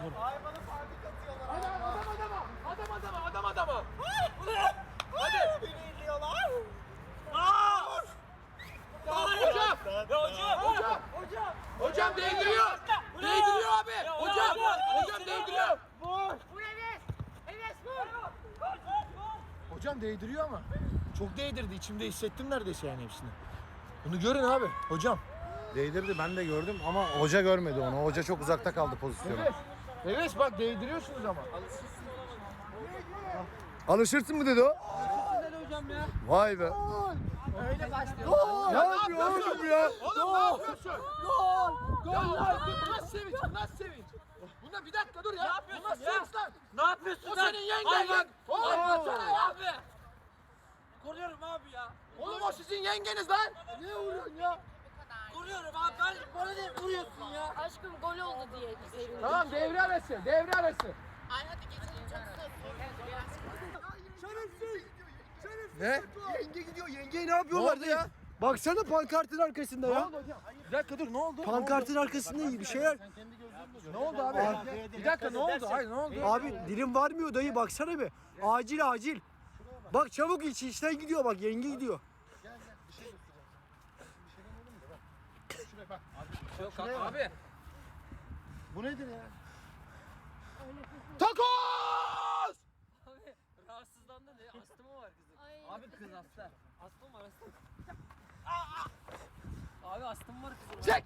Hayvanı parti katıyorlar. Adama. Hadi. Beni izliyorlar. Hocam değdiriyor. Değdiriyor abi. Hocam değdiriyor. Hocam değdiriyor ama. Çok değdirdi. İçimde hissettim neredeyse yani hepsini. Bunu görün abi. Hocam. Değdirdi, ben de gördüm ama hoca görmedi onu. Hoca çok uzakta kaldı pozisyona. Evet bak değdiriyorsunuz ama. Alışırsın mı dedi o? hocam ya. Vay be. Öyle başlıyor. Ne yapıyor oğlum ya? Oğlum ne yapıyorsun? Gol! Bu nasıl sevinç? Bu nasıl sevinç? Buna bir dakika dur ya. Ne yapıyorsun Bu nasıl ya? sevinç lan? Ne yapıyorsun O lan? senin yengen Hayvan. lan. Oğlum baksana ya. Abi. Koruyorum abi ya. Oğlum o sizin yengeniz lan. Ne vuruyorsun ya? Koruyorum abi. Bana ne vuruyorsun ya? Aşkım gol oldu diye sevindim. Tamam devre arası. Devre arası. Ay hadi geçelim çok Ne? Yenge gidiyor. Yengeyi ne yapıyorlardı ya? Baksana pankartın arkasında ya. Bir dakika dur ne oldu? Pankartın arkasında iyi bir şeyler. Ne oldu abi? Bir dakika ne oldu? Hayır ne oldu? Abi dilim varmıyor dayı, baksana be. Acil. Bak çabuk işten gidiyor, bak yenge gidiyor. Yok abi. Bu nedir ya? Takoz! Abi rahatsızlandı ne? Astımı var kızın. Ay, Abi kız hasta. Astım var astım. Abi astım var kızın. Çek!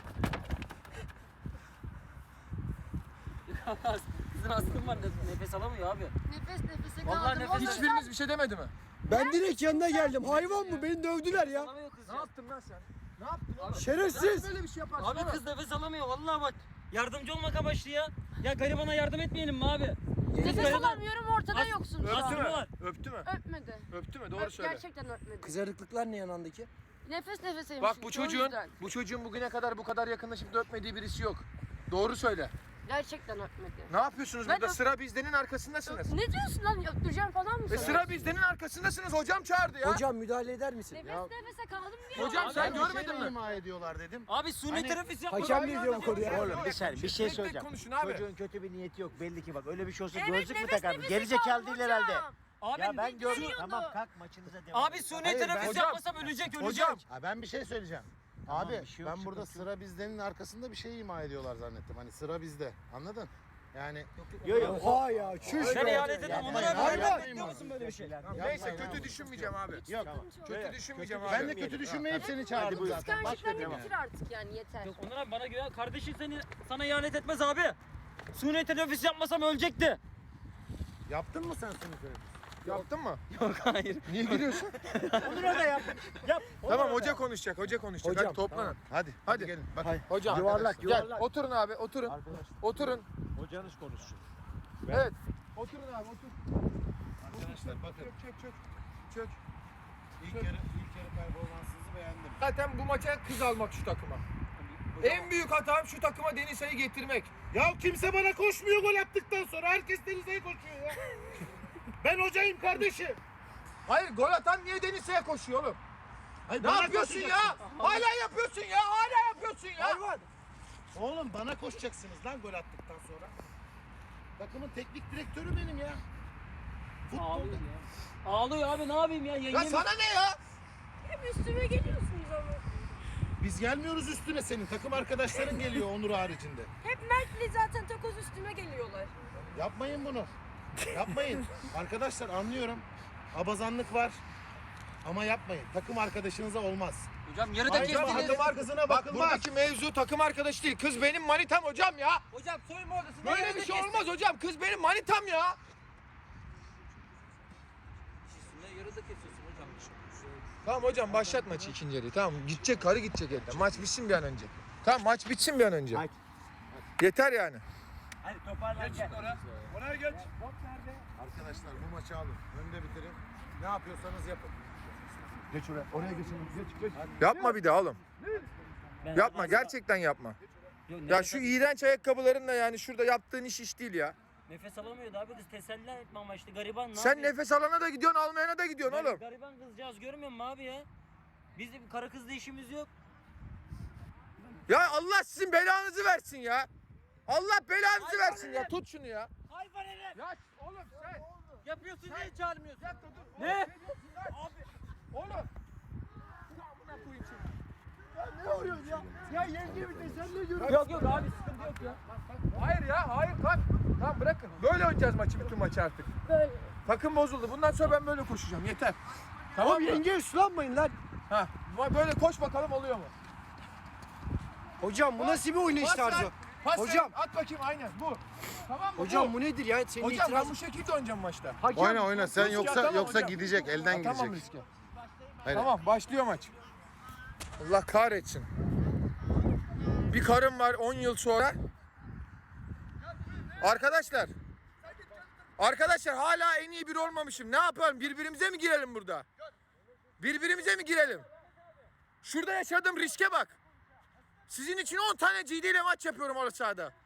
Kızın astım var. Nefes alamıyor abi. nefes nefese Vallahi kaldım. nefes- Hiçbiriniz bir şey demedi mi? Ben direkt yanına geldim. Hayvan mı? Beni dövdüler ya. Alamıyor kız Ne ya. yaptın lan sen? Ne yaptın oğlum? Şerefsiz. Böyle bir şey yaparsın. Abi kız nefes alamıyor vallahi bak. Yardımcı olmak amaçlı ya. Ya garibana yardım etmeyelim mi abi? Nefes alamıyorum, ortada yoksun şu Öptü an. mü? var. Öptü mü? Öpmedi. Öptü mü? Doğru söyle. Gerçekten öpmedi. Kızarıklıklar ne yanındaki? Nefes nefeseymiş. Bak bu çünkü, o yüzden. çocuğun bugüne kadar bu kadar yakınlaşıp da öpmediği birisi yok. Doğru söyle. Gerçekten öpmedi. Ne yapıyorsunuz Ben burada? Sıra bizdenin arkasındasınız. Ne diyorsun lan? Öptüreceğim falan mı sana? Sıra bizdenin arkasındasınız. Hocam çağırdı ya. Hocam müdahale eder misin? Nefes nefese kaldım diyor. Hocam sen şey görmedin mi? ima ediyorlar dedim. Abi suni teneffüs yapma. Hakem ne diyor bu konuya? Oğlum bir saniye bir şey Tek tek söyleyeceğim. konuşun abi. Çocuğun kötü bir niyeti yok belli ki, bak öyle bir şey olsa Evet, gözlük mü nefes takardı? nefese Gerizekalı kaldım değil hocam. herhalde. Abi Ya ben gördüm. geliyordu. Tamam kalk maçınıza devam. Abi suni teneffüs hocam. yapmasam ölecek. Hocam. Ha, ben bir şey söyleyeceğim. Tamam, Abi bir şey yok, ben burada sıkıntı sıra bizdenin arkasında bir şey ima ediyorlar zannettim. Hani sıra bizde. Anladın? Yani Yok yok. oha ya çüş. Ben ihanet ettim. Onur abi Hayvan. yapmayın musun böyle bir şey? Neyse kötü düşünmeyeceğim abi. Yok. Kötü düşünmeyeceğim abi. Ben de kötü düşünmeyip seni çağırdım zaten. Başka Kıskançlıklarını bitir artık yani yeter. Yok Onur abi bana güven. Kardeşin sana ihanet etmez abi. Suni teneffüs yapmasam ölecekti. Yaptın mı sen seni? Yaptın mı? Yok hayır. Niye gülüyorsun? Onur abi yap. Yap. Tamam hoca konuşacak. Hocam, Hadi toplanın. Hadi. Hadi. gelin. Bak. Hocam. Yuvarlak, Gel. yuvarlak. Oturun abi. Oturun. Oturun. Hocanız konuşsun. Evet. Oturun abi. Otur. Arkadaşlar bakın. Çök. İlk yarı performansınızı beğendim. Zaten bu maça kız almak şu takıma. En büyük hatam şu takıma Denisa'yı getirmek. Ya kimse bana koşmuyor gol attıktan sonra. Herkes Denizli'ye koşuyor ya. Ben hocayım kardeşim. Hayır gol atan niye Denisa'ya koşuyor oğlum? Hayır, Ne bana yapıyorsun ya? koşacaksın. Hala yapıyorsun ya. Hala yapıyorsun ya. Hayvan. Oğlum bana koşacaksınız lan gol attıktan sonra. Takımın teknik direktörü benim ya. Futbolda. Ağlıyor ya. Ağlıyor abi ne yapayım ya? Ya Yengem. sana ne ya? Hep üstüme geliyorsunuz ama. Biz gelmiyoruz üstüne senin. Takım arkadaşların geliyor Onur haricinde. Hep Mert'le zaten takoz üstüme geliyorlar. Yapmayın bunu. Yapmayın. Arkadaşlar anlıyorum. Abazanlık var. Ama yapmayın. Takım arkadaşınıza olmaz. Hocam yarıda Ayrıca kestiniz. takım arkasına Bak bakılmaz. buradaki mevzu takım arkadaşı değil. Kız benim manitam hocam ya. Hocam soyunma odasında Böyle yarıda bir şey kestin. olmaz hocam. Kız benim manitam ya. Yarıda kesiyorsun hocam. Tamam hocam başlat maçı ikinci yarıyı. Tamam gidecek karı gidecek elden. Maç bitsin bir an önce. Tamam maç bitsin bir an önce. Hadi. Yeter yani. Hadi toparlan gel. Oraya geç. Arkadaşlar bu maçı alın. Önde bitirin. Ne yapıyorsanız yapın. Geç oraya. Oraya geçin. Geç. Yapma bir daha oğlum. Yapma gerçekten yapma. Ya şu iğrenç ayakkabılarınla yani şurada yaptığın iş değil ya. Nefes alamıyordu abi kız teselli etme amaçlı gariban ne Sen yapayım? nefes alana da gidiyorsun almayana da gidiyorsun oğlum. Gariban kızcağız görmüyor musun abi ya? Bizim kara kızla işimiz yok. Ya Allah sizin belanızı versin ya. Allah belanızı versin ya. Tut şunu ya. Hayvan herif. Ya oğlum sen. Yapıyorsun diye çağırmıyorsun. Bir dakika dur. Ne? Abi. Oğlum. Amına koyayım seni. Ne oluyor ya? Ya yenge bir de sen ne görüyorsun? Yok yok abi sıkıntı yok ya. Hayır ya, hayır kalk. Tamam bırakın. Böyle oynayacağız maçı, bütün maçı artık. Böyle. Takım bozuldu. Bundan sonra ben böyle koşacağım. Yeter. Tamam Tamam mı? yenge üstlenmeyin lan. Ha, böyle koş bakalım oluyor mu? Hocam bu nasıl bir oyun Pas ver, tarzı? pas Hocam. ver, at bakayım aynen bu. Tamam mı? Hocam bu nedir ya? Senin Hocam ben itiraz... bu şekilde oynayacağım maçta. Hakem- Oyna sen Riske yoksa atamam hocam. gidecek elden Tamam gidecek. riske. Hayır. Tamam başlıyor maç. Allah kahretsin. Bir karım var 10 yıl sonra. Arkadaşlar. Arkadaşlar hala en iyi biri olmamışım. Ne yapalım? Birbirimize mi girelim burada? Birbirimize mi girelim? Şurada yaşadığım riske bak. Sizin için 10 tane GD ile maç yapıyorum orta sahada.